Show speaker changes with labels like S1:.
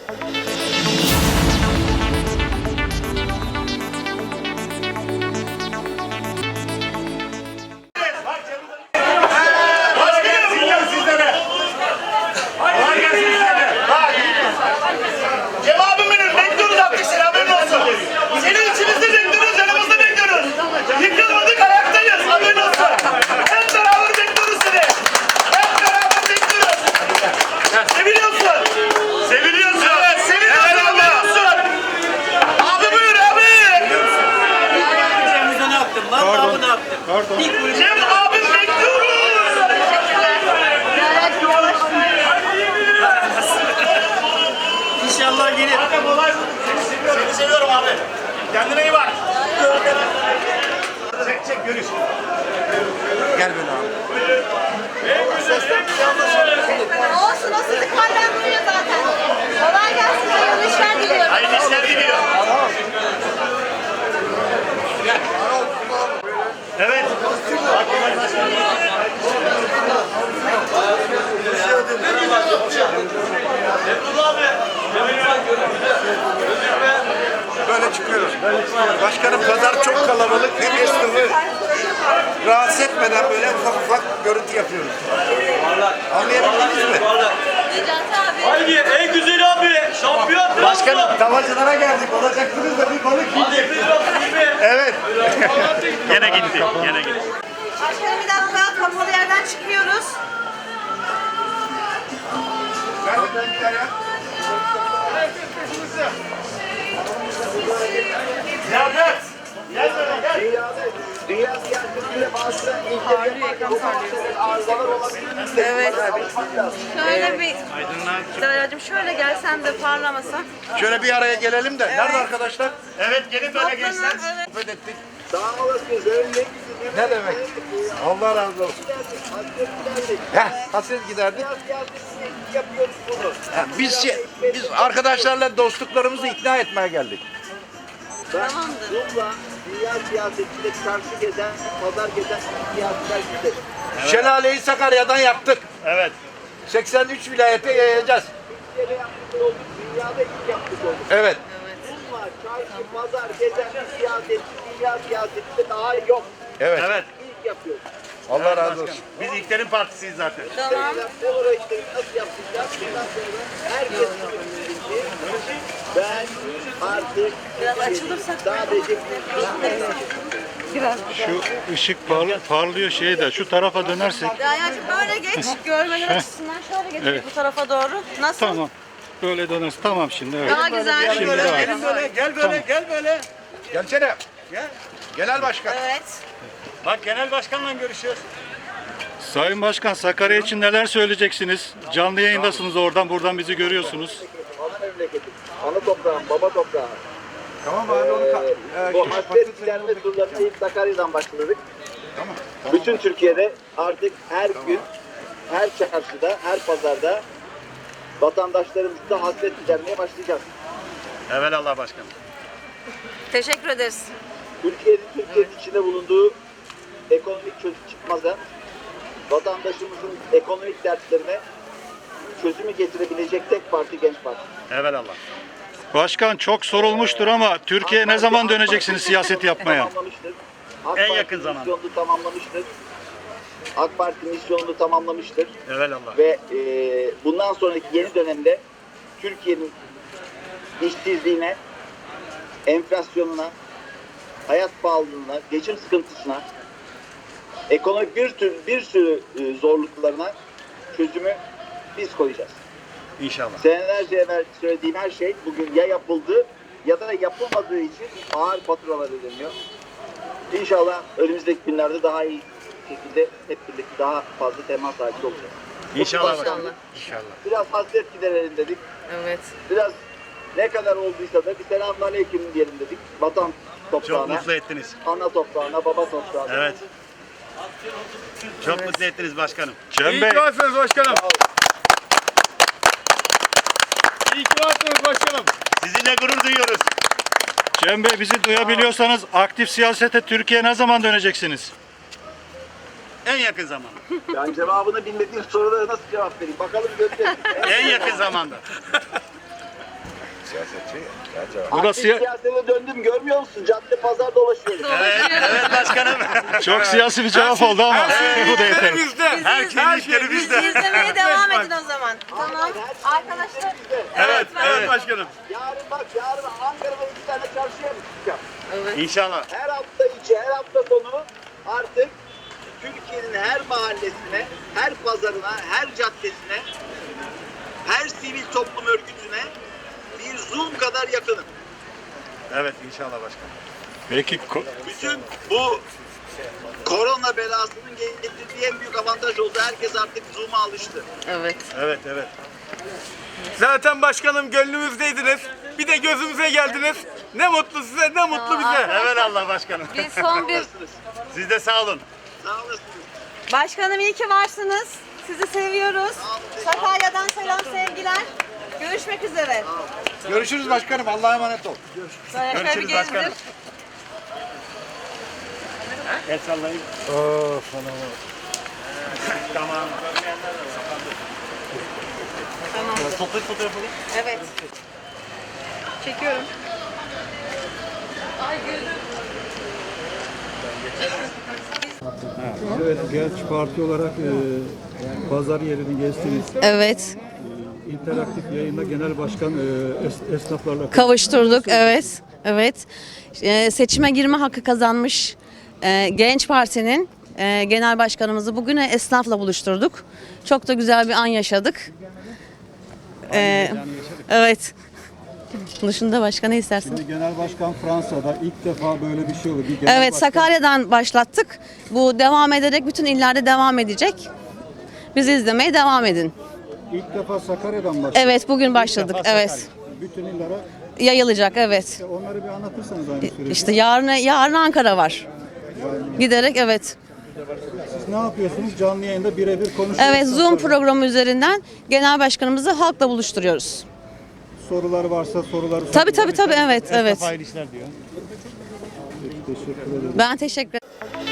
S1: Cem abim bekliyoruz. İnşallah gelir. Seni seviyorum abi. Kendine iyi bak. Çek görüş.
S2: Gel böyle abi.
S3: Olsun o sizi kallenmiyor zaten. Kolay gelsin. Hayırlı işler diliyorum.
S1: Hayırlı işler diliyor. Evet.
S2: Böyle çıkıyoruz. Başkanım pazar çok kalabalık. Hem esnafı rahatsız etmeden böyle ufak ufak görüntü yapıyoruz. Anlayabildiniz mi?
S3: Necati abi.
S4: Haydi en güzel abi. Şampiyon.
S2: Başkanım tavacılara geldik. Olacaksınız da bir balık yiyeceksiniz. Evet.
S1: Gene gitti. Gene gitti.
S3: Başkanım bir dakika. Kapalı yerden çıkıyoruz.
S2: Ben gider ya.
S1: Ziyaret. Gel böyle gel.
S5: Dünya siyasetinde bazı arızalar olabilir.
S3: Evet. Şöyle bir... Daracığım şöyle gelsen de parlamasa.
S2: Şöyle bir araya gelelim de. Nerede arkadaşlar?
S1: Evet gelin böyle gençler.
S3: Evet.
S2: Sohbet ettik.
S5: Sağ olasınız.
S2: Ne demek? Allah razı olsun. Hasret giderdik.
S5: Yapıyoruz bunu.
S2: Biz arkadaşlarla dostluklarımızı ikna etmeye geldik.
S3: Tamamdır.
S5: Bununla dünya siyasetinde çarşı gezen, pazar gezen siyasiler gider.
S2: Şelaleyi Sakarya'dan yaptık.
S1: Evet.
S2: 83 vilayete yayacağız.
S5: Türkiye'de yaptık olduk, dünyada ilk yaptık olduk.
S2: Evet.
S5: Bununla çarşı, pazar gezen bir siyasetçi, dünya siyasetinde daha yok.
S2: Evet.
S1: Evet.
S5: İlk yapıyoruz.
S2: Allah razı olsun.
S1: Biz İlkler'in partisiyiz zaten.
S3: Tamam.
S5: Bu uğraşları nasıl yapacağız? Bundan sonra herkes bildiği ben artık
S3: Biraz açılırsak.
S5: sadece
S3: Biraz.
S6: Şu ışık parlıyor şeyde. Şu tarafa dönersek.
S3: Daracığım böyle geç. Görmeler açısından şöyle geç
S6: Evet.
S3: bu tarafa doğru. Nasıl?
S6: Tamam. Böyle dönersin. Tamam şimdi. Evet.
S3: Daha güzel.
S6: Şimdi
S3: Böyle.
S6: daha iyi.
S1: Gelin böyle gel böyle gel böyle.
S2: Gelsene.
S1: Gel.
S2: Genel başkan.
S3: Evet.
S1: Bak genel başkanla görüşüyoruz.
S6: Sayın Başkan, Sakarya için neler söyleyeceksiniz? Canlı yayındasınız oradan. Buradan bizi görüyorsunuz.
S5: ana memleketim, ana toprağım, baba toprağım.
S2: Tamam abi onu
S5: Bu hasret giderme turlarına ilk Sakarya'dan başladık.
S2: Tamam.
S5: Bütün Türkiye'de artık her gün, her çarşıda, her pazarda vatandaşlarımızla hasret gidermeye başlayacağız.
S1: Evelallah başkanım.
S3: Teşekkür ederiz.
S5: Türkiye'nin içinde bulunduğu ekonomik çözüm çıkmaza vatandaşımızın ekonomik dertlerine çözümü getirebilecek tek parti Genç Parti.
S1: Evelallah.
S6: Başkan, çok sorulmuştur ama Türkiye'ye ne zaman döneceksiniz siyaset yapmaya?
S5: Tamamlamıştır. AK
S1: En
S5: Parti
S1: yakın zamanda.
S5: misyonunu tamamlamıştır. AK Parti misyonunu tamamlamıştır.
S1: Evelallah.
S5: Ve bundan sonraki yeni dönemde Türkiye'nin işsizliğine, enflasyonuna, hayat pahalılığına, geçim sıkıntısına, ekonomik bir sürü zorluklarına çözümü biz koyacağız.
S1: İnşallah.
S5: Senelerce evvel söylediğim her şey bugün ya yapıldı ya da yapılmadığı için ağır faturalar ödeniyor. İnşallah önümüzdeki günlerde daha iyi şekilde hep birlikte daha fazla temas sahibi olacağız.
S1: İnşallah başkanım. İnşallah.
S5: Biraz hasret giderelim dedik.
S3: Evet.
S5: Biraz ne kadar olduysa da bir selamünaleyküm diyelim dedik. Vatan toprağına,
S1: Çok mutlu ettiniz.
S5: ana toprağına, baba toprağına.
S1: Evet. Çok mutlu ettiniz başkanım.
S6: Cem Bey,
S4: varsınız başkanım. İyi ki varsınız başkanım.
S1: Sizinle gurur duyuyoruz.
S6: Cem Bey bizi duyabiliyorsanız aktif siyasete Türkiye'ye ne zaman döneceksiniz?
S1: En yakın zamanda.
S5: Ben cevabını bilmediğim sorulara nasıl cevap vereyim? Bakalım göreceğiz.
S1: En yakın zamanda.
S6: Burası
S5: Siyasete döndüm görmüyor musun? Cadde pazar dolaşıyorum.
S1: Evet başkanım.
S6: çok siyasi bir cevap oldu ama bu da yeter.
S1: Her şey bizde.
S3: İzlemeye devam edin o zaman. Tamam. Arkadaşlar.
S1: Evet
S4: başkanım.
S5: Yarın Ankara'da 2 tane çarşıya mı çıkacağım?
S1: İnşallah.
S5: Her hafta içi, her hafta sonu artık Türkiye'nin her mahallesine, her pazarına, her caddesine, her sivil toplum örgütüne bir Zoom kadar yakınım.
S1: Evet inşallah başkanım.
S6: Peki
S5: Bütün bu korona belasının getirdiği en büyük avantaj oldu. Herkes artık Zoom'a alıştı.
S1: Evet.
S4: Zaten başkanım gönlümüzdeydiniz. Bir de gözümüze geldiniz. Ne mutlu size, ne mutlu bize.
S1: Evet Allah başkanım.
S3: Biz son bir...
S1: Siz de sağ olun.
S5: Sağ olasınız.
S3: Başkanım iyi ki varsınız. Sizi seviyoruz. Sakarya'dan selam sevgiler. Görüşmek üzere.
S2: Görüşürüz başkanım. Allah'a emanet ol.
S3: Şöyle bir
S1: Görüşürüz başkanım.
S3: gezdir.
S1: El sallayın. Tamam. Toplayıp fotoğrafı.
S3: Evet. Çekiyorum.
S6: Evet, Genç Parti olarak pazar yerini gezdiniz.
S7: Evet,
S6: İnteraktif yayında genel başkan esnaflarla
S7: kavuşturduk. Evet, evet. Seçime girme hakkı kazanmış Genç Parti'nin genel başkanımızı bugün esnafla buluşturduk. Çok da güzel bir an yaşadık. Evet. Dışında başka ne istersin?
S6: Şimdi genel başkan Fransa'da ilk defa böyle bir şey oldu. Bir genel
S7: Evet,
S6: başkan-
S7: Sakarya'dan başlattık. Bu devam ederek bütün illerde devam edecek. Bizi izlemeye devam edin.
S6: İlk defa Sakarya'dan başladı.
S7: Evet, bugün başladık. Evet.
S6: Bütün illere
S7: Yayılacak, evet.
S6: onları bir anlatırsanız aynı süreci.
S7: İşte yarın Ankara var. Giderek evet.
S6: Siz ne yapıyorsunuz? Canlı yayında birebir konuşuyorsunuz.
S7: Evet, Zoom programı üzerinden genel başkanımızı halkla buluşturuyoruz.
S6: Sorular varsa soruları
S7: Tabii evet, evet.
S6: işler diyor. Teşekkür ederim.
S7: Ben teşekkür ederim.